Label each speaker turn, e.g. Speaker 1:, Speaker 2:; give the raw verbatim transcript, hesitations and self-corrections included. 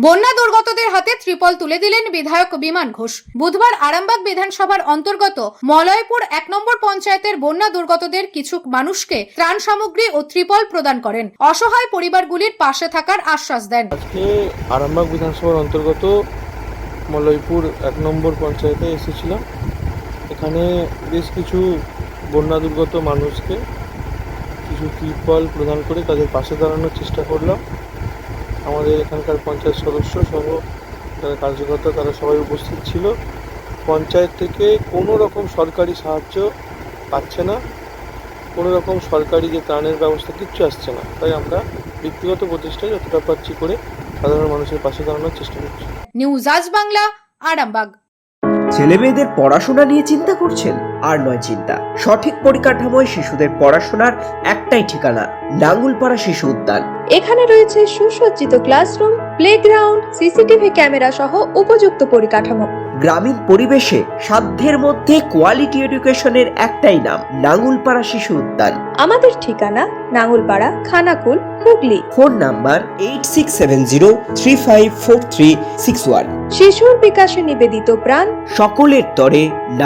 Speaker 1: বন্যা দুর্গতদের হাতে ত্রিপল তুলে দিলেন বিধায়ক বিমান ঘোষ। বুধবার আরামবাগ বিধানসভার অন্তর্গত মলয়পুর এক নম্বর পঞ্চায়েতের বন্যা দুর্গতদের কিছু মানুষকে ত্রাণ সামগ্রী ও ত্রিপল প্রদান করেন। অসহায় পরিবারগুলির পাশে থাকার আশ্বাস দেন।
Speaker 2: আজকে আরামবাগ বিধানসভার অন্তর্গত মলয়পুর এক নম্বর পঞ্চায়েতে এসেছিলাম। এখানে বেশ কিছু বন্যা দুর্গত মানুষকে কিছু ত্রিপল প্রদান করে তাদের পাশে দাঁড়ানোর চেষ্টা করলাম। আমাদের এখানকার পঞ্চায়েত সদস্য সহ যারা কার্যকর্তা তারা সবাই উপস্থিত ছিল। পঞ্চায়েত থেকে কোনো রকম সরকারি সাহায্য পাচ্ছে না, কোনো রকম সরকারি যে ত্রাণের ব্যবস্থা কিচ্ছু আসছে না। তাই আমরা ব্যক্তিগত প্রচেষ্টায় যতটা পারছি করে সাধারণ মানুষের পাশে দাঁড়ানোর চেষ্টা করছি।
Speaker 1: নিউজ আজ বাংলা, আরামবাগ।
Speaker 3: ছেলে মেয়েদের পড়াশোনা নিয়ে চিন্তা করছেন? আর নয় চিন্তা। সঠিক পরিকাঠামোয় শিশুদের পড়াশোনার একটাই ঠিকানা, নাঙ্গুলপাড়া শিশু উদ্যান।
Speaker 4: এখানে রয়েছে সুসজ্জিত ক্লাসরুম, প্লেগ্রাউন্ড, সিসিটিভি ক্যামেরা সহ উপযুক্ত পরিকাঠামো।
Speaker 3: গ্রামীণ পরিবেশে সাধ্যের মধ্যে কোয়ালিটি এডুকেশনের একটাই নাম, নাঙ্গুলপাড়া শিশু উদ্যান।
Speaker 4: আমাদের ঠিকানা Nangulpara, Khanakul, Hooghly.
Speaker 3: Phone number eight six seven zero three five four three six one.
Speaker 4: শিশুর বিকাশে নিবেদিত প্রাণ,
Speaker 3: সকলের তরে